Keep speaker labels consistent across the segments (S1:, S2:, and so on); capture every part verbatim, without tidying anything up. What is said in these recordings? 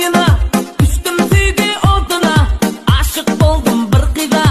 S1: oyuna, düştüm sevgi oduna, aşık oldum bir kıza.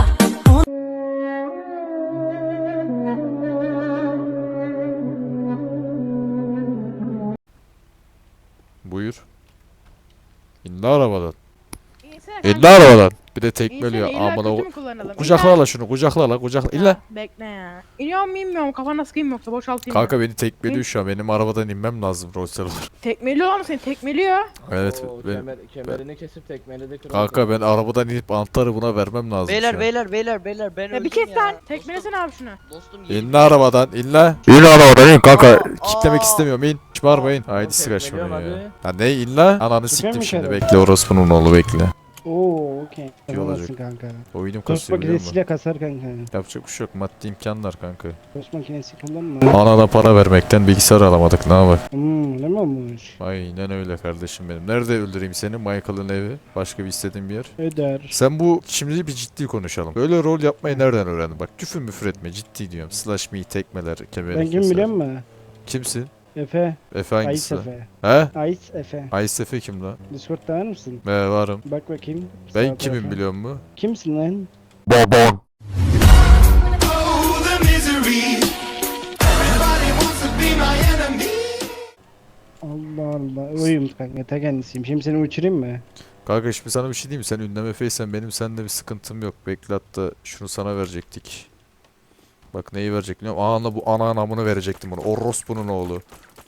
S2: Buyur. İndi arabadan.
S3: İnsene
S2: İndi
S3: kanka.
S2: arabadan. Bir de tekmeliyor.
S3: İnsene, illa
S2: Amına
S3: kötü
S2: o.
S3: mü kullanalım?
S2: Kucakla la şunu, kucakla la, kucakla.
S3: İlla-
S2: İlla.
S3: Ya, bekle ya. İniyor mu inmiyorum, kafana sıkayım yoksa boşaltayım mı?
S2: Kanka beni tekmeliyor şu an. Benim arabadan inmem lazım Rolls Royce.
S3: Tekmeliyor mu seni, tekmeliyor.
S2: Evet.
S4: Oo,
S2: Ben,
S4: kemer, kemerini kesip tekmeledi kral.
S2: kanka ben arabadan inip anahtarı buna vermem lazım şu
S5: Beyler
S2: an.
S5: beyler beyler beyler ben
S3: Ya
S5: öldüm
S3: bir kes
S5: ya.
S3: sen, tekmelesene abi şunu.
S5: Dostum
S2: İn la arabadan, in la. İn arabadan in kanka.
S5: Aa,
S2: Kitlemek
S5: aa.
S2: istemiyorum, in. Hiç bağırmayın. Haydi
S4: Oğlum,
S2: sıra şunu
S4: tekmeliyorum
S2: ya.
S4: hadi.
S2: Ya ne in la? Ananı
S6: Çıkıyor
S2: siktim
S6: mu
S2: şimdi.
S6: içeri?
S2: Bekle orospunun oğlu bekle.
S6: Oo okey.
S2: İyi olacak.
S6: Yapamazsın kanka.
S2: Oyunum
S6: Tost
S2: kasıyor biliyor musun?
S6: makinesiyle kasar kanka.
S2: Yapacak bir şey yok. Maddi imkanlar kanka.
S6: Tost makinesi kullanma.
S2: Anana para vermekten bilgisayar alamadık. Ne yapalım?
S6: Hmm öyle mi olmuş?
S2: Aynen öyle kardeşim benim. Nerede öldüreyim seni? Michael'ın evi. Başka bir istediğin bir yer.
S6: Öder.
S2: Sen bu şimdi bir ciddi konuşalım. Böyle rol yapmayı nereden öğrendin? Bak küfür müfür etme ciddi diyorum. Slash me tekmeler kemeri.
S6: Ben kim
S2: keser.
S6: biliyor musun?
S2: Kimsin?
S6: Efe.
S2: Efe
S6: Ayıs
S2: hangisi?
S6: Efe.
S2: He?
S6: Ayıs Efe.
S2: Ayıs Efe kim lan?
S6: Discord'da var mısın?
S2: Be varım.
S6: Bak bakayım.
S2: Ben
S6: Sağ
S2: kimim
S6: tarafa.
S2: biliyor musun?
S6: Kimsin lan?
S2: Babam.
S6: Allah Allah. Oyum kanka ta kendisiyim. Şimdi seni uçurayım mı?
S2: Kanka şimdi sana bir şey diyeyim mi? Sen ünlem Efe'ysen benim seninle bir sıkıntım yok. Bekle hatta şunu sana verecektik. Bak neyi verecek biliyor musun? Ana bu ana anamını verecektim bunu. Orospu'nun oğlu.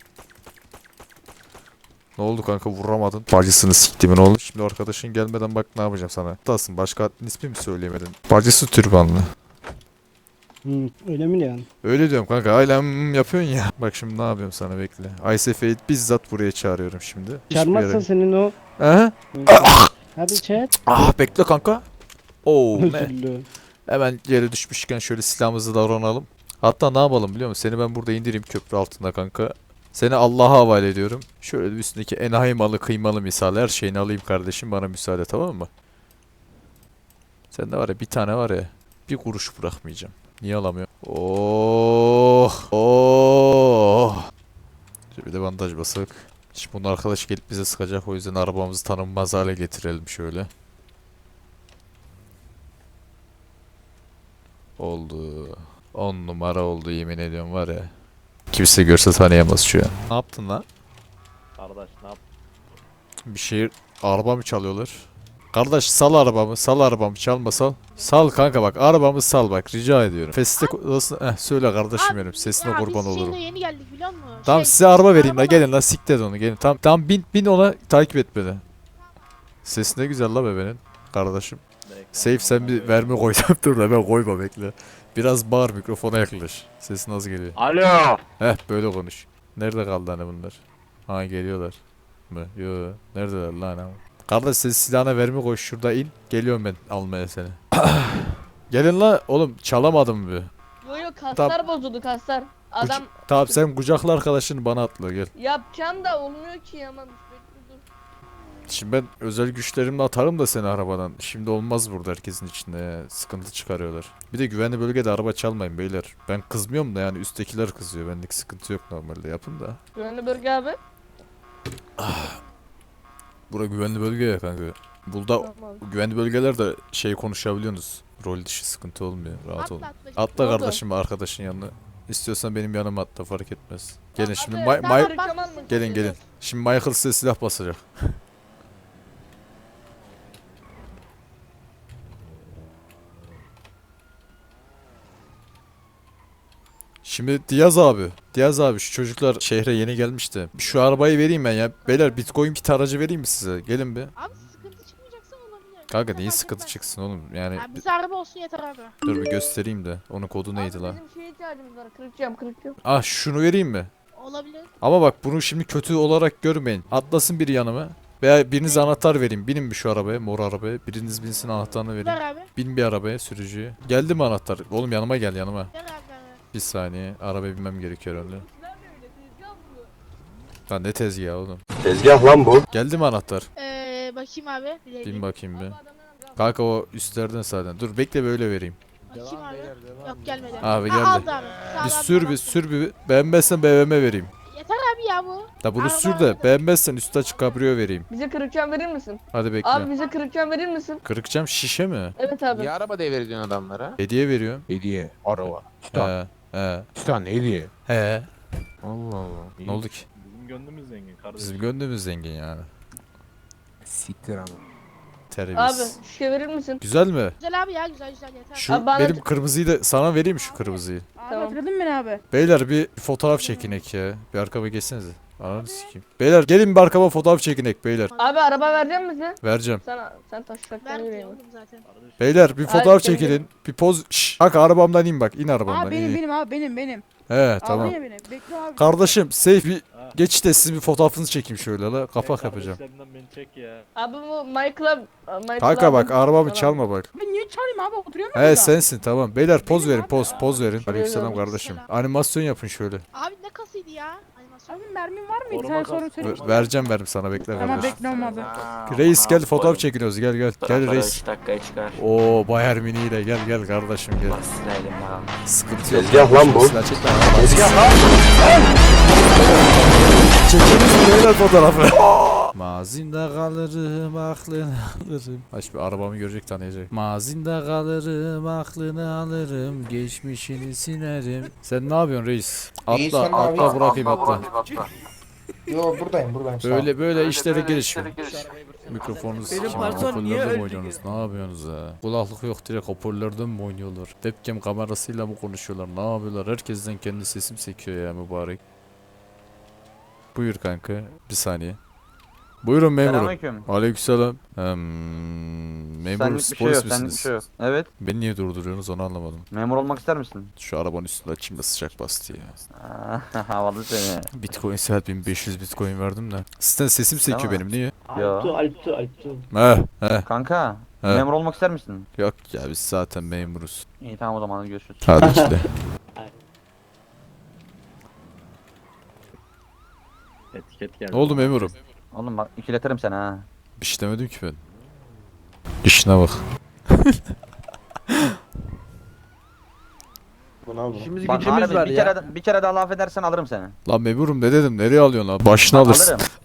S2: Ne oldu kanka vuramadın? Bacısını siktimin oğlu. Şimdi arkadaşın gelmeden bak ne yapacağım sana. Hatasın başka adın ismi mi söyleyemedin? Bacısı türbanlı.
S6: Hmm, öyle mi diyorsun?
S2: Öyle diyorum kanka ailem yapıyorsun ya. Bak şimdi ne yapıyorum sana bekle. Aysefe'yi bizzat buraya çağırıyorum şimdi. Hiçbir
S6: Çarmazsa
S2: yere-
S6: senin o...
S2: Aha.
S6: Hadi chat.
S2: Ah bekle kanka. Oo ne?
S6: Özür dilerim.
S2: Hemen yere düşmüşken şöyle silahımızı davranalım. Hatta ne yapalım biliyor musun? Seni ben burada indireyim köprü altında kanka. Seni Allah'a havale ediyorum. Şöyle bir üstündeki enayi malı kıymalı misal her şeyini alayım kardeşim bana müsaade tamam mı? Sende var ya bir tane var ya bir kuruş bırakmayacağım. Niye alamıyorum? Oh oh. Şöyle bir de bandaj basak. Şimdi bunun arkadaş gelip bize sıkacak o yüzden arabamızı tanınmaz hale getirelim şöyle. Oldu. On numara oldu yemin ediyorum var ya. Kimse görse tanıyamaz şu an. Ne yaptın lan?
S4: Kardeş ne yap?
S2: Bir şey araba mı çalıyorlar? Kardeş sal arabamı, sal arabamı çalma sal. Sal kanka bak arabamı sal bak rica ediyorum. Feste nasıl? Eh söyle kardeşim benim sesine
S7: Ya
S2: kurban
S7: biz
S2: olurum.
S7: şeyle yeni geldik biliyor musun?
S2: Tamam
S7: Şey,
S2: size araba vereyim la
S7: araba-
S2: gelin la siktir onu gelin. Tamam tamam bin bin ona takip et beni. Ses ne güzel la bebenin kardeşim. Safe sen bir verme koy dur da ben koyma bekle. Biraz bağır mikrofona yaklaş. Sesin az geliyor.
S4: Alo.
S2: Heh böyle konuş. Nerede kaldı hani bunlar? Ha geliyorlar mı? Yo neredeler lan ama? Kardeş sen silahına verme koy şurada in. Geliyorum ben almaya seni. Gelin la oğlum çalamadım bir.
S8: Yo yo kaslar bozuldu kaslar. Adam
S2: Tamam sen kucakla arkadaşını bana atla gel.
S8: yapacağım da olmuyor ki ama. Dur.
S2: Şimdi ben özel güçlerimle atarım da seni arabadan. Şimdi olmaz burada herkesin içinde ya. Sıkıntı çıkarıyorlar. Bir de güvenli bölgede araba çalmayın beyler. Ben kızmıyorum da yani üsttekiler kızıyor. Benlik sıkıntı yok normalde yapın da.
S8: Güvenli bölge abi.
S2: Bura güvenli bölge ya kanka. Burada
S8: Tamam.
S2: güvenli bölgelerde şey konuşabiliyorsunuz. Rol dışı sıkıntı olmuyor. Rahat olun.
S7: Atla atla.
S2: Atla
S8: Ne oldu?
S2: kardeşim arkadaşın yanına. İstiyorsan benim yanıma atla fark etmez. Gelin şimdi
S8: Abi,
S2: Ma-
S8: sen
S2: Ma-
S8: harcaman mı?
S2: gelin gelin. Şimdi Michael size silah basacak. Şimdi Diaz abi. Diaz abi şu çocuklar şehre yeni gelmişti. Şu arabayı vereyim ben ya. Beyler Bitcoin kit aracı vereyim mi size? Gelin bir.
S7: Abi sıkıntı çıkmayacaksa olabilir.
S2: Kanka
S7: Bize
S2: neyin
S7: fark
S2: sıkıntı
S7: etmez.
S2: çıksın oğlum? Yani
S7: Ya bize araba olsun yeter abi.
S2: dur bir göstereyim de. Onun kodu neydi
S8: Abi
S2: lan?
S8: bizim şeye ihtiyacımız var. Kırık cam kırık cam.
S2: Ah şunu vereyim mi?
S7: Olabilir.
S2: Ama bak bunu şimdi kötü olarak görmeyin. Atlasın biri yanıma. Veya biriniz anahtar vereyim. Binin bir şu arabaya, mor arabaya. Biriniz binsin anahtarını vereyim.
S7: Ver abi.
S2: Bin bir arabaya sürücüye. Geldi mi anahtar? Oğlum yanıma gel yanıma.
S7: Ver abi ver. ver.
S2: Bir saniye. Arabaya binmem gerekiyor herhalde.
S8: Silah ne öyle tezgah bu.
S2: Lan ne tezgahı oğlum.
S9: Tezgah lan bu.
S2: Geldi mi anahtar?
S7: Ee, bakayım abi. Bir dakika.
S2: Bin bakayım bir.
S8: Abi adamdan al.
S2: Kanka o üstlerden zaten. Dur bekle böyle vereyim.
S7: Bakayım abi. Yok gelmedi.
S2: Abi
S7: Ha,
S2: geldi.
S7: aldı abi. Sağ ol
S2: Bir
S7: abi,
S2: sür
S7: tamam.
S2: bir sür bir. Beğenmezsen B M W vereyim.
S7: Yeter abi abi ya bu.
S2: Da bunu
S7: Araba
S2: sür de
S7: araba.
S2: beğenmezsen üstü açık kabrio vereyim.
S8: Bize kırık cam verir misin?
S2: Hadi bekle.
S8: Abi bize kırık cam verir misin?
S2: Kırık cam şişe mi?
S8: Evet abi.
S5: Niye araba devrediyorsun adamlara?
S2: Hediye veriyorum.
S5: Hediye, araba. Titan.
S2: He. He.
S5: Titan hediye.
S2: He.
S5: Allah Allah.
S2: Ne oldu ki?
S4: Bizim gönlümüz zengin kardeşim.
S2: Bizim gönlümüz zengin yani.
S5: Siktir ama.
S8: Abi
S2: Terbiyesiz.
S8: şişe verir misin?
S2: Güzel mi?
S7: Güzel abi ya güzel güzel yeter.
S2: Şu
S8: Abi bana-
S2: benim kırmızıyı da sana vereyim şu kırmızıyı.
S3: Abi
S8: Tamam.
S3: hatırladın mı beni abi?
S2: Beyler bir fotoğraf çekinek ya. Bir arkama geçsenize. Ananı sikeyim. Beyler gelin bir arkama fotoğraf çekinek beyler.
S8: Abi araba verecek misin bize?
S2: Vereceğim.
S8: Sen sen taşacaktan
S7: Verdim
S8: yürüyeyim.
S7: oğlum zaten.
S2: Beyler bir
S8: Abi,
S2: fotoğraf
S8: gelin,
S2: çekilin. Bir poz. Şşş. Kanka arabamdan in bak. İn arabamdan.
S3: Aa benim
S2: in.
S3: benim abi benim benim.
S2: He tamam.
S3: Aldın ya beni. Bekle abi.
S2: Kardeşim safe bir
S4: Ha.
S2: geçişte sizin bir fotoğrafınızı çekeyim şöyle la. Kapak yapacağım.
S4: Kardeşlerinden beni çek ya.
S8: Abi bu Michael'a Michael
S2: Kanka bak
S8: abi-
S2: arabamı
S8: Tamam.
S2: çalma bak.
S3: Ben niye çağırayım abi oturuyorum ya
S2: He
S3: burada.
S2: sensin tamam. Beyler poz
S3: Benim
S2: verin
S3: abi.
S2: poz poz verin. Aleykümselam
S8: Aleykümselam.
S2: kardeşim. Animasyon yapın şöyle.
S7: Abi ne kasıydı ya? Animasyon.
S3: Abi mermin var mıydı?
S4: Koruma
S3: Sen sonra
S4: kas-
S3: söyle.
S2: Ver- vereceğim verim sana bekle
S3: Ama
S2: kardeşim.
S3: bekle olmadı.
S2: Reis gel fotoğraf çekiniyoruz gel gel. Gel reis.
S9: üç dakikaya çıkar.
S2: Oo Bayern Münih ile gel gel kardeşim gel.
S9: Silelim abi.
S2: Sıkıntı yok.
S10: Tezgah lan bu.
S2: Silah çek lan. Çekiniz beyler fotoğrafı. Mazinde kalırım aklını alırım. Aç bir arabamı görecek tanıyacak. Mazinde kalırım aklını alırım. Geçmişini silerim. Sen ne yapıyorsun reis?
S10: İyi,
S2: Atla
S10: sen ne
S2: atla
S10: yapıyorsun?
S2: bırakayım atla.
S10: Yo buradayım buradayım. sağ ol.
S2: Böyle böyle işlere girişiyor. Mikrofonunuzu
S9: Benim
S2: sikim.
S9: patron niye
S2: Hoparlörden mi
S9: öldü
S2: oynuyorsunuz? Ne yapıyorsunuz ha? Kulaklık yok direkt hoparlörden mi oynuyorlar? Webcam kamerasıyla mı konuşuyorlar? Ne yapıyorlar? Herkesten kendi sesim sekiyor ya mübarek. Buyur kanka. Bir saniye. Buyurun memurum.
S9: Selamünaleyküm.
S2: Aleykümselam. Hmm, memur
S9: Senlik bir şey
S2: polis
S9: yok, senlik bir
S2: misiniz?
S9: şey yok. Evet,
S2: Beni niye durduruyorsunuz onu anlamadım.
S9: memur olmak ister misin?
S2: Şu arabanın üstünde açayım da sıcak bastı ya.
S9: Aa, havalı seni.
S2: Bitcoin saat bin beş yüz bitcoin verdim de. Sizden sesim sekiyor
S9: Tamam.
S2: benim niye?
S9: Yo.
S2: He he.
S9: Kanka,
S2: He.
S9: memur olmak ister misin?
S2: Yok ya biz zaten memuruz.
S9: İyi tamam o zaman hadi görüşürüz.
S2: Hadi ki de.
S4: Etiket geldi.
S2: Ne oldu memurum?
S9: Oğlum bak ikiletirim seni ha.
S2: Bir şey demedim ki ben. İşine bak.
S10: Bunu al bunu.
S6: İşimiz
S9: Bak
S6: gücümüz
S9: harbi
S6: var
S9: bir
S6: ya.
S9: kere de, bir kere daha laf edersen alırım seni.
S2: Lan memurum ne dedim nereye alıyorsun lan? Başını alırsın.
S9: Alırım.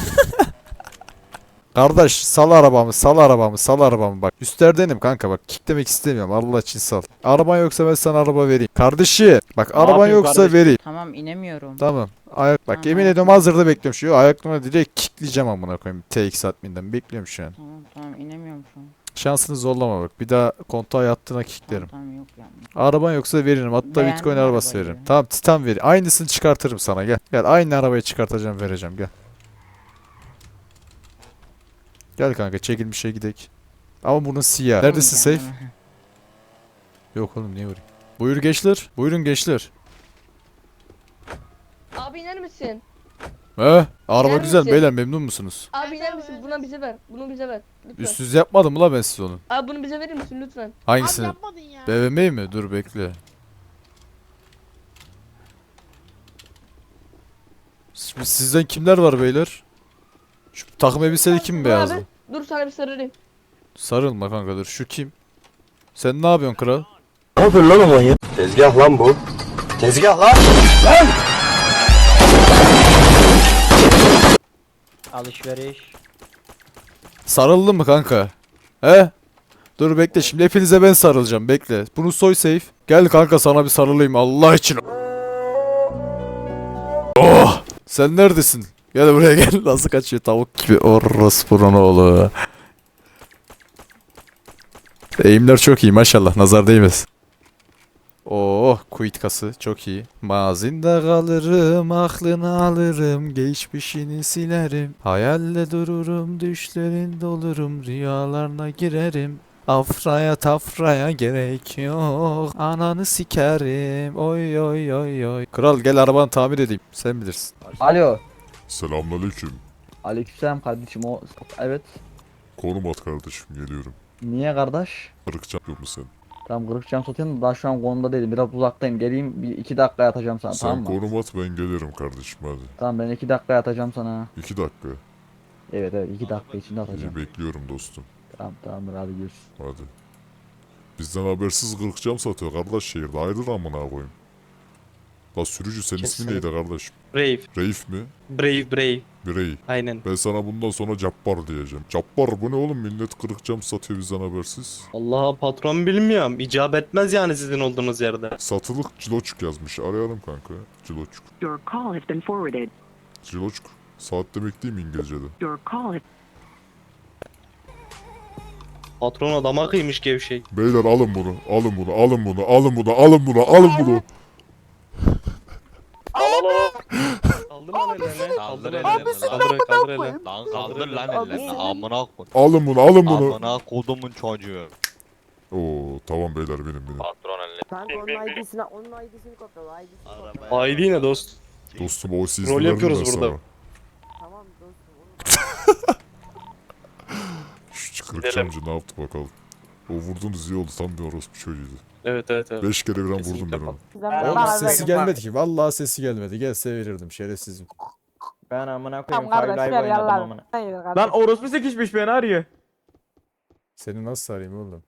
S2: Kardeş sal arabamı sal arabamı sal arabamı bak. Üstlerdenim kanka bak kicklemek istemiyorum Allah için sal. Araban yoksa ben sana araba vereyim. Kardeşi bak araban
S4: yapayım
S2: yoksa
S4: kardeşim?
S2: vereyim.
S11: Tamam inemiyorum.
S2: Tamam. Ayak bak
S11: Tamam.
S2: yemin ediyorum hazırda bekliyorum şu ayaklarına direkt kickleyeceğim amına koyayım. T X adminden bekliyorum şu an.
S11: Tamam tamam inemiyorum şu an.
S2: Şansını zorlama bak. Bir daha kontağa yattığına kicklerim.
S11: Tamam, tamam yok yani.
S2: Araban yoksa veririm. Hatta
S11: Beğendim
S2: Bitcoin arabası
S11: arabayı.
S2: veririm. Tamam Titan ver. Aynısını çıkartırım sana gel. Gel aynı arabayı çıkartacağım vereceğim gel. Gel kanka çekilmişe gidek. Ama bunun siyah. Neredesin
S11: Tamam,
S2: safe?
S11: tamam.
S2: Yok oğlum niye vurayım? Buyur gençler. Buyurun gençler.
S8: Abi iner misin?
S2: He? Araba
S8: Gider
S2: güzel
S8: misin?
S2: beyler memnun musunuz?
S8: Abi
S7: Evet,
S8: iner
S7: abi,
S8: misin?
S7: evet.
S8: Buna bize ver. Bunu bize ver. Lütfen.
S2: Üstsüz yapmadım mı la ben size onu?
S8: Abi bunu bize verir misin lütfen?
S7: Abi
S2: Hangisini?
S7: yapmadın ya.
S2: B M W'yi mi? Dur bekle. Şimdi sizden kimler var beyler? Şu takım elbiseli kim
S8: Dur
S2: beyazlı?
S8: abi, Dur sana bir sarılayım.
S2: Sarılma kanka dur. Şu kim? Sen ne yapıyorsun kral?
S10: Ne yapıyorsun lan o manyak? Tezgah lan bu. Tezgah lan.
S6: Alışveriş.
S2: Sarıldın mı kanka? He? Dur bekle şimdi hepinize ben sarılacağım bekle. Bunu soy safe. Gel kanka sana bir sarılayım Allah için. Oh! Sen neredesin? Gel buraya gel. Nasıl kaçıyor tavuk gibi. Orospu'nun oğlu. Eğimler çok iyi maşallah nazar değmez. Oh quit kası çok iyi. Mazinde kalırım aklını alırım geçmişini silerim. Hayalle dururum düşlerinde olurum rüyalarına girerim. Afraya tafraya gerek yok. Ananı sikerim. Oy oy oy oy. Kral gel arabanı tamir edeyim. Sen bilirsin.
S12: Alo.
S10: Selamünaleyküm.
S12: Aleykümselam kardeşim o evet.
S10: Konum at kardeşim geliyorum.
S12: Niye kardeş?
S10: Kırıkacak yok mu sen?
S12: Tamam kırık cam satayım da daha şu an konumda değilim. Biraz uzaktayım. Geleyim bir iki dakika yatacağım sana
S10: Sen
S12: tamam mı?
S10: konum at ben gelirim kardeşim hadi.
S12: Tamam ben iki dakika yatacağım sana.
S10: İki dakika.
S12: Evet evet iki dakika içinde atacağım.
S10: İyi bekliyorum dostum.
S12: Tamam tamamdır hadi görüşürüz.
S10: Hadi. Bizden habersiz kırıkcam satıyor kardeş şehirde. Hayırdır amına koyayım.
S13: La sürücü senin ismin
S4: Kesinlikle.
S13: neydi kardeşim?
S4: Brave.
S13: Reif mi?
S4: Brave brave.
S13: Birey.
S4: Aynen.
S13: Ben sana bundan sonra Cabbar diyeceğim. Cabbar bu ne oğlum? Millet kırık cam satıyor bizden habersiz.
S4: Allah'a patron bilmiyorum. İcap etmez yani sizin olduğunuz yerde.
S13: Satılık Ciloçuk yazmış. Arayalım kanka. Ciloçuk.
S1: Your call has been forwarded.
S13: Ciloçuk. Saat demek değil mi İngilizce'de?
S1: Your call has
S4: Patron adama kıymış gevşek.
S13: Beyler alın bunu. Alın bunu. Alın bunu. Alın bunu. Alın bunu. Alın bunu.
S4: Kaldır lan ellerini.
S14: Kaldır
S4: Kaldır
S14: ellerini
S4: ellerini.
S14: lan.
S4: Kaldır kaldır ellerini.
S14: Lan kaldır lan ellerini amına koy.
S13: Alın bunu. Alın bunu.
S14: Amına kodumun çocuğu.
S13: Oo tamam beyler benim benim.
S14: Patron ellerini.
S11: Kanka onun I D'sini, onun I D'sini kopyala, I D'sini kopyala.
S4: I D ne dost?
S13: Dostum o siz
S4: Rol yapıyoruz
S13: ben
S4: burada.
S13: sana.
S11: Tamam dostum.
S13: Şu kırık camcı ne yaptı bakalım. O vurdunuz iyi oldu. Tam bir orospu çocuğuydu.
S4: Evet evet evet.
S13: Beş kere birden vurdum
S4: Kesinlikle
S13: ben onu.
S2: Oğlum sesi gelmedi ki. Vallahi sesi gelmedi. Gelse verirdim şerefsizim.
S12: Ben amına
S11: Tamam
S12: koyayım.
S11: kardeş
S12: Kaylayı
S11: ver
S12: oynadım
S11: yallah.
S12: amına.
S11: Hayır kardeş.
S5: Lan orospu sekişmiş beni arıyor.
S2: Seni nasıl arayayım oğlum?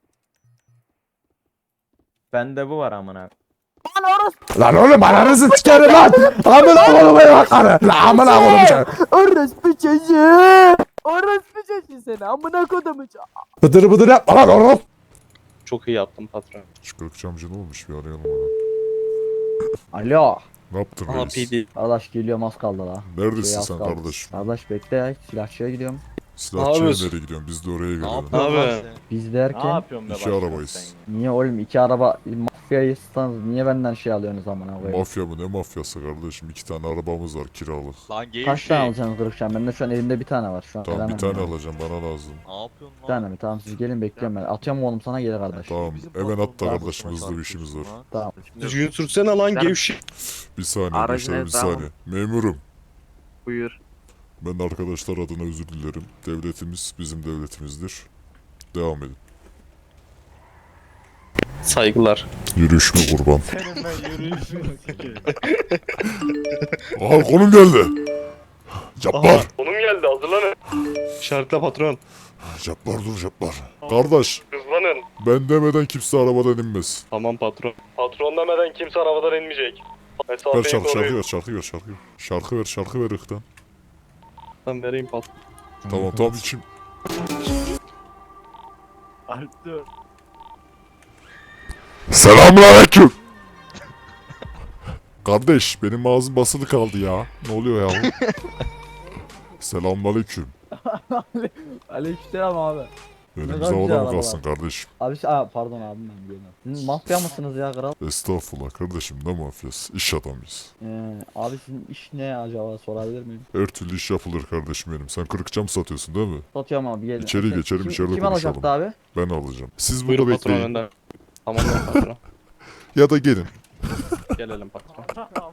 S12: Bende bu var amına.
S5: Lan oğlum ananızı sikerim lan. Amına koyayım beni karı. Lan amına koyayım sen.
S11: Orospu çocuğu. Orospu çocuğu seni. Amına kodumu çocuğu.
S5: Bıdır bıdır yapma lan oğlum.
S4: Çok iyi yaptın patron.
S13: Şu kırık camcı ne olmuş bir arayalım onu.
S12: Alo.
S13: Ne yaptın
S4: Aha
S13: reis?
S4: P D.
S12: Kardeş geliyorum az kaldı la.
S13: Neredesin
S12: Şey, az
S13: sen
S12: kaldı.
S13: kardeşim?
S12: Kardeş bekle ya silahçıya gidiyorum.
S13: Silahçıya
S4: yapıyorsun?
S13: nereye gidiyorsun? Biz de oraya
S14: Ne
S13: gelelim.
S14: yapıyorsun lan
S4: Abi.
S14: sen?
S12: Biz
S4: Ne
S12: derken
S4: yapıyorsun be
S13: İki
S4: başkan
S13: arabayız.
S4: sen?
S12: niye oğlum iki araba mafyayı stanız niye benden şey alıyorsunuz amına koyayım?
S13: Mafya mı? Ne mafyası kardeşim? İki tane arabamız var kiralık.
S14: Lan
S12: Kaç tane
S14: gevşek.
S12: alacaksınız kırıkçam? Bende şu an elimde bir tane var şu an.
S13: Tamam bir
S12: veremem
S13: tane
S12: yani.
S13: alacağım bana lazım.
S14: Ne yapıyorsun
S12: Bir
S14: lan?
S12: tane mi? Tamam siz gelin bekliyorum ben. Atıyorum oğlum sana gelir kardeş.
S13: Tamam
S14: Bizim
S13: hemen
S14: patron
S13: at da
S14: daha
S13: kardeşim
S14: boşuna
S13: hızlı bir işimiz var.
S14: çarpıyorsun
S12: Tamam.
S4: Düzgün sürsene lan gevşek.
S13: Bir saniye
S9: Aracın
S13: gençler bir
S9: etrafı-
S13: saniye. Memurum.
S9: Buyur.
S13: Ben arkadaşlar adına özür dilerim. Devletimiz bizim devletimizdir. Devam edin.
S4: Saygılar.
S13: Yürüyüş mü kurban? Aha konum geldi. Cabbar.
S4: Konum geldi hazırlanın. Şartla patron.
S13: Cabbar dur Cabbar. Kardeş
S4: Hızlanın.
S13: ben demeden kimse arabadan inmez.
S4: Tamam patron. Patron demeden kimse arabadan inmeyecek.
S13: Ver
S4: Mesafeyi
S13: şarkı, şarkı
S4: koruyun.
S13: ver şarkı ver şarkı ver. Şarkı ver şarkı ver ıhtan.
S4: Ben vereyim patron.
S13: Tamam tamam içim.
S4: Alptı.
S13: Selamünaleyküm. Kardeş benim ağzım basılı kaldı ya. Ne oluyor ya? Selamünaleyküm.
S12: Aleykümselam abi.
S13: Elimize
S12: güzel
S13: havada mı
S12: arabalar.
S13: kalsın kardeşim?
S12: Abi şey- aa, pardon abim ben geliyorum. Siz mafya mısınız ya kral?
S13: Estağfurullah kardeşim ne mafyası? İş adamıyız.
S12: Ee, abi sizin iş ne acaba sorabilir miyim?
S13: Her türlü iş yapılır kardeşim benim. Sen kırık cam satıyorsun değil mi?
S12: Satıyorum abi gelin.
S13: İçeri
S12: Kim-
S13: geçelim,
S12: kim,
S13: içeride
S12: Kim
S13: konuşalım.
S12: alacaktı abi?
S13: Ben alacağım. Siz
S4: Buyurun
S13: burada
S4: patron
S13: bekleyin.
S4: önden. Tamam lan patron.
S13: Ya da gelin.
S4: Gelelim patron.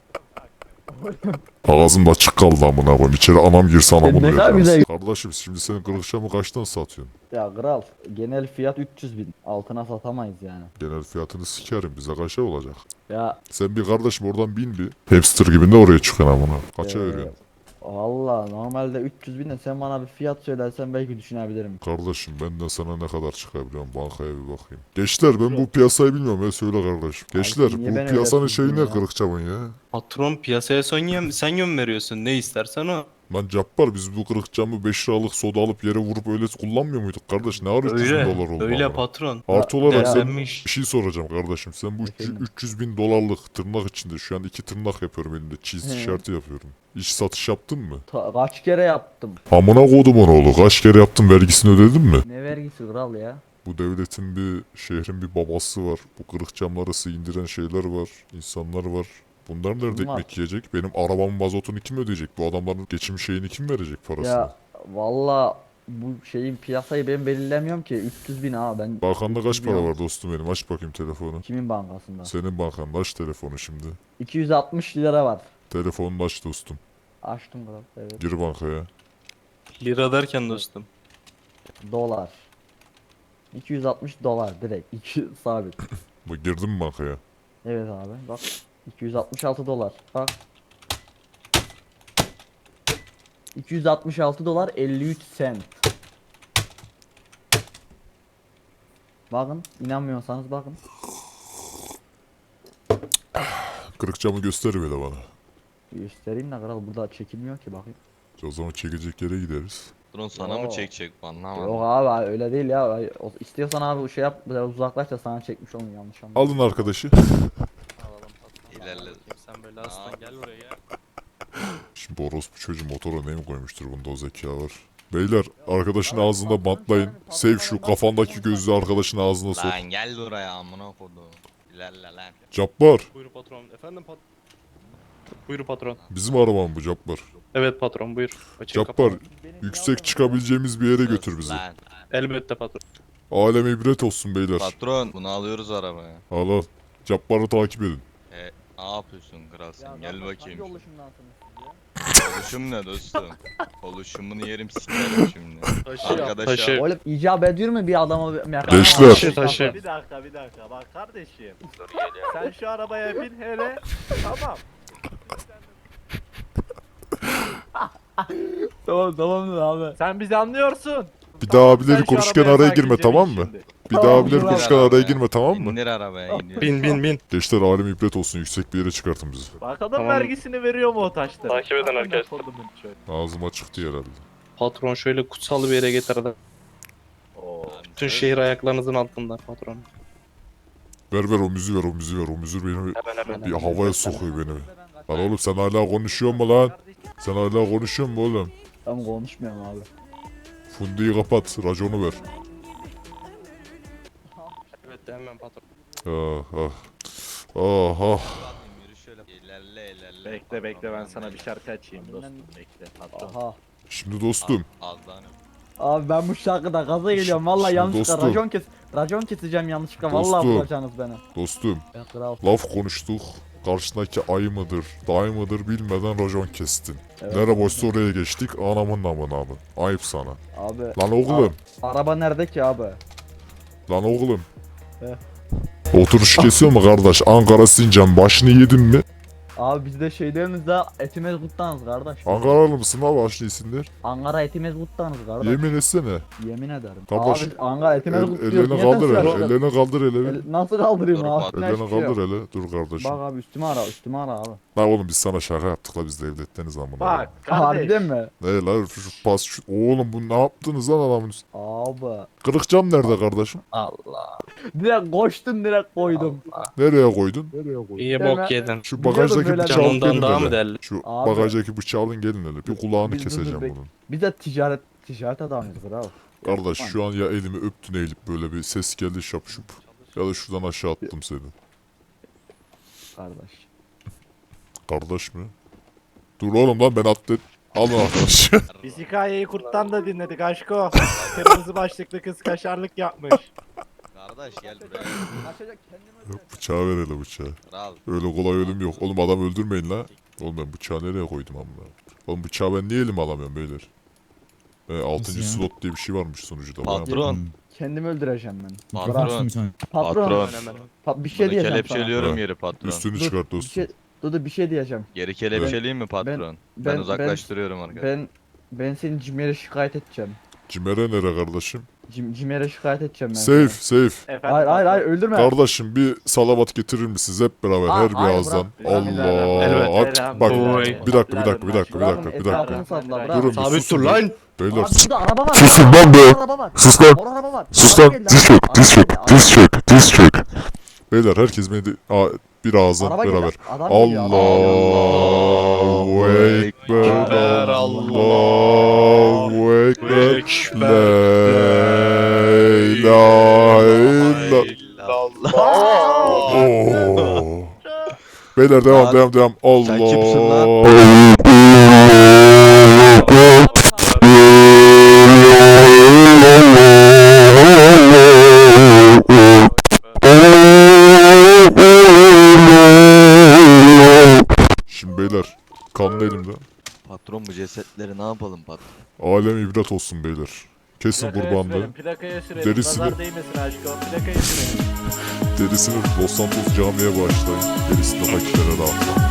S13: Ağzım da açık kaldı amına koyayım. İçeri anam girse anamı
S12: Ne kadar
S13: duyacağız.
S12: güzel.
S13: Kardeşim şimdi senin kırık camı kaçtan satıyorsun?
S12: Ya kral genel fiyat üç yüz bin. Altına satamayız yani.
S13: Genel fiyatını sikerim. Bize kaça olacak?
S12: Ya
S13: Sen bir kardeşim oradan bin bir. Hamster gibi de oraya çıkıyorsun amına. Kaça
S12: Ee,
S13: veriyorsun?
S12: valla normalde üç yüz bin de sen bana bir fiyat söylersen belki düşünebilirim.
S13: Kardeşim benden sana ne kadar çıkabiliyorum bankaya bir bakayım. Gençler ben bu piyasayı bilmiyorum ya söyle kardeşim. Gençler
S12: niye
S13: bu
S12: beni
S13: piyasanın
S12: öyle
S13: şeyi ne
S12: tuttun ya?
S13: kırık camın ya?
S4: Patron piyasaya son yem, sen yön veriyorsun. Ne istersen o.
S13: Lan Cabbar biz bu kırık camı beş liralık soda alıp yere vurup öyle kullanmıyor muyduk kardeş? Ne ara üç yüz bin
S4: Öyle.
S13: dolar oldu
S4: Öyle
S13: amına?
S4: patron.
S13: Artı olarak sen
S4: Değerlenmiş.
S13: bir şey soracağım kardeşim. Sen bu üç yüz
S12: Efendim?
S13: üç yüz bin dolarlık tırnak içinde şu an iki tırnak yapıyorum elimde. Cheese
S12: He.
S13: tişörtü yapıyorum. İş satış yaptın mı?
S12: Ta- kaç kere yaptım.
S13: Amına kodumun oğlu kaç kere yaptın vergisini ödedin mi?
S12: Ne vergisi kral ya?
S13: Bu devletin bir şehrin bir babası var. Bu kırık camları indiren şeyler var. İnsanlar var. Bunlar nerede
S12: Kim var?
S13: ekmek yiyecek? Benim arabamın mazotunu kim ödeyecek? Bu adamların geçim şeyini kim verecek parasını?
S12: Ya valla bu şeyin piyasayı ben belirlemiyorum ki üç yüz bin ha ben.
S13: Bankanda
S12: üç
S13: kaç
S12: yüz bin
S13: para
S12: al-
S13: var dostum benim? Aç bakayım telefonu.
S12: Kimin bankasında?
S13: Senin bankanda aç telefonu şimdi.
S12: iki yüz altmış lira var.
S13: Telefonunu aç dostum.
S12: Açtım kral evet.
S13: Gir bankaya.
S4: Lira derken dostum.
S12: Dolar. iki yüz altmış dolar direkt. iki sabit.
S13: Bu girdin mi bankaya?
S12: Evet abi bak. iki yüz altmış altı dolar. Bak. iki yüz altmış altı dolar elli üç sent. Bakın inanmıyorsanız bakın.
S13: Kırık camı göster böyle bana.
S12: Göstereyim de kral burada çekilmiyor ki bakayım.
S13: O zaman çekecek yere gideriz.
S14: Drone sana mı
S12: Oo.
S14: çekecek bu anlamadım.
S12: Yok abi öyle değil ya. Ay, o- İstiyorsan abi şey yap biraz uzaklaş da sana çekmiş olun yanlış anladın.
S13: Alın arkadaşı.
S14: İlerle.
S4: Sen böyle aslan gel buraya.
S13: Şimdi orospu çocuğu motora ne mi koymuştur bunda o zeka var. Beyler arkadaşın ağzında bantlayın. Sev şu kafandaki gözlüğü arkadaşın ağzına sok.
S14: Lan gel buraya amına kodum. İlerle lan.
S13: Cabbar.
S4: Buyur patron. Efendim patron. Buyur patron.
S13: Bizim araba mı bu Cabbar?
S4: Evet patron buyur. Açık
S13: Cabbar.
S4: kapalı.
S13: Yüksek çıkabileceğimiz bir yere götür bizi.
S14: Lan.
S4: Elbette patron.
S13: Alem ibret olsun beyler.
S14: Patron bunu alıyoruz arabaya.
S13: Al al. Cabbar'ı takip edin.
S14: E, ne yapıyorsun kral sen? Gel bakayım.
S12: Hangi oluşumdansınız siz ya?
S14: Oluşum ne dostum? Oluşumunu yerim sikerim şimdi.
S4: Taşı
S14: Arkadaşa-
S4: taşı.
S12: Oğlum icap ediyor mu bir adama bir mekan?
S13: Gençler.
S4: Taşı taşı.
S10: Bir dakika bir dakika bak kardeşim. Sen şu arabaya bin hele. Tamam.
S12: Tamam tamam abi.
S10: Sen bizi anlıyorsun.
S13: Bir daha abileri
S10: Sen şu
S13: konuşurken
S10: arabaya
S13: araya
S10: sakince
S13: girme
S10: bin
S13: tamam mı?
S10: şimdi.
S13: Bir daha
S12: Tamam,
S13: abileri
S12: dur
S13: konuşurken
S14: arabaya.
S13: araya girme tamam mı?
S14: İndir arabaya indir.
S4: Bin bin bin.
S13: Gençler alem ibret olsun yüksek bir yere çıkartın bizi.
S10: Bakalım
S4: Tamam.
S10: vergisini veriyor mu o taşları?
S4: Takip eden
S10: Amına
S4: arkadaşlar.
S10: kodumun çocuğu.
S13: Ağzım açıktı herhalde.
S4: Patron şöyle kutsal bir yere getirdi.
S10: Oo.
S4: Bütün şehir ayaklarınızın altında patron.
S13: Ver ver o müziği ver o müziği ver o müziği beni
S4: Hemen hemen.
S13: bir havaya sokuyor beni. Lan oğlum sen hala konuşuyor mu lan? Sen hala konuşuyor mu oğlum?
S12: Tamam konuşmuyorum abi.
S13: Fundi'yi kapat raconu ver.
S4: Evet hemen patron.
S13: Ah ah. Ah ah.
S14: Yürü şöyle. İlerle ilerle.
S10: Bekle bekle ben sana bir şarkı açayım dostum bekle. Patron.
S12: Aha.
S13: Şimdi dostum.
S14: Az daha ne?
S12: Abi ben bu şarkıda gaza geliyorum vallahi
S13: Şimdi
S12: yanlışlıkla
S13: dostum.
S12: racon kes racon keseceğim yanlışlıkla vallahi
S13: Dostum.
S12: bulacaksınız beni.
S13: Dostum.
S12: Ya kral.
S13: Laf konuştuk. Karşındaki ayı mıdır, dayı mıdır bilmeden racon kestin.
S12: Evet.
S13: Nere boşsa oraya geçtik. Anamın namına abi. Ayıp sana.
S12: Abi
S13: Lan oğlum.
S12: araba nerede ki abi?
S13: Lan oğlum.
S12: He.
S13: Oturuş kesiyor mu kardeş? Ankara Sincan başını yedin mi?
S12: Abi biz de şeylerimizde etimiz kuttanız kardeş.
S13: Ankaralı mısın lan başını yesinler?
S12: Ankara etimiz kuttanız kardeş.
S13: Yemin etsene.
S12: Yemin ederim.
S13: Kardeş,
S12: Abi Ankara etimiz
S13: El,
S12: kutluyoruz.
S13: ellerini
S12: Niye
S13: kaldır
S12: ters
S13: hele.
S12: yapıyorsun?
S13: Ellerini kaldır hele.
S12: El- Nasıl kaldırayım
S14: Dur,
S12: abi?
S14: bak,
S12: Ne
S13: Ellerini
S12: şey yok.
S13: kaldır hele. Dur kardeşim.
S12: Bak abi üstüme ara üstüme ara abi.
S13: Lan oğlum biz sana şaka yaptık la biz devletteniz amına.
S10: Bak kardeş.
S12: Harbiden mi?
S13: Ne lan şu, şu pas şu. Oğlum bu ne yaptınız lan adamın üstüne?
S12: Abi.
S13: Kırık cam nerede kardeşim?
S12: Allah. Direkt koştun direkt koydum.
S13: Nereye koydun? Nereye koydun?
S4: İyi
S12: Deme.
S4: bok yedin.
S13: Şu
S12: Biliyordum
S13: bagajdaki
S12: böyle
S13: bıçağı alın
S4: Canından
S13: gelin
S4: daha mı
S13: hele.
S4: değerli?
S13: Şu
S12: Abi.
S13: bagajdaki bıçağı alın gelin hele. Bir kulağını
S12: Biz dur, dur,
S13: keseceğim
S12: bek-
S13: bunun.
S12: Biz de ticaret ticaret adamıyız kral.
S13: Kardeş şu an ya elimi öptün eğilip böyle bir ses geldi şapşup. Ya da şuradan aşağı attım seni.
S12: Kardeş.
S13: Kardeş mi? Dur oğlum lan ben atlet. Alın arkadaş.
S10: Biz hikayeyi kurttan da dinledik aşko. Kırmızı başlıklı kız kaşarlık yapmış.
S14: Kardeş gel buraya.
S12: Kaçacak kendime.
S13: Bıçağı ver hele bıçağı.
S14: Kral.
S13: Öyle kolay ölüm yok. Oğlum adam öldürmeyin la. Oğlum ben bıçağı nereye koydum amına? Oğlum bıçağı ben niye elime alamıyorum beyler? E, altıncı slot diye bir şey varmış sunucuda. bayağı-
S14: Patron.
S12: Kendimi öldüreceğim ben.
S14: Patron.
S12: Patron.
S14: Patron.
S12: Pa- bir şey
S14: Bunu
S12: diyeceğim sana.
S14: kelepçeliyorum
S13: Ha.
S14: yeri patron.
S13: Üstünü
S12: Dur,
S13: çıkart
S12: Bir
S13: dostum.
S12: şey, dur dur bir şey diyeceğim.
S14: Geri kelepçeleyeyim mi patron? Ben,
S12: Ben
S14: uzaklaştırıyorum arkadaşlar.
S12: Ben ben seni Cimer'e şikayet edeceğim.
S13: Cimere nere kardeşim?
S12: Cim, Cimer'e şikayet edeceğim ben.
S13: Safe
S12: seni.
S13: safe.
S10: Efendim,
S12: Hayır hayır hayır
S10: patron.
S12: öldürme.
S13: Kardeşim bir salavat getirir misiniz hep beraber
S12: Aa,
S13: her bir
S12: hayır,
S13: ağızdan?
S12: bırak.
S13: Allah.
S10: Elbette.
S13: At, bak
S10: Oy.
S13: bir dakika bir dakika bir dakika bir
S12: Bırakın,
S13: dakika bir dakika.
S12: etrafını satla,
S10: Durun,
S12: bırak.
S13: bir
S4: Sabit
S13: susun
S4: dur
S13: bir.
S4: lan.
S13: Beyler
S12: Abi
S13: sus.
S12: burada araba var.
S13: Susun lan be.
S12: Araba var.
S13: Sus lan.
S12: Orada araba var.
S13: Sus
S12: Araba
S13: lan.
S12: geldi,
S13: Diz
S12: araba
S13: çök diz
S12: geldi,
S13: çök
S12: araba
S13: diz
S12: geldi.
S13: çök diz çök. Beyler herkes beni de- Aa, bir ağızdan
S12: Araba geliyor,
S13: beraber.
S12: adam geliyor, adam
S13: Allahu Ekber Allahu Ekber La ilahe illallah. Oo. Beyler devam
S14: Lan,
S13: devam devam. Allah.
S14: sen kimsin lan?
S13: Şimdi beyler kanlı elimde.
S14: Patron bu cesetleri ne yapalım patron?
S13: Alem ibret olsun beyler. Kesin
S10: Plakaya
S13: kurbanlığı.
S10: sürelim, Plakaya sürelim.
S13: Derisini-
S10: Nazar değmesin aşko. Plakaya sürelim.
S13: Derisini Los Santos camiye bağışlayın. Gerisini fakirlere dağıtın.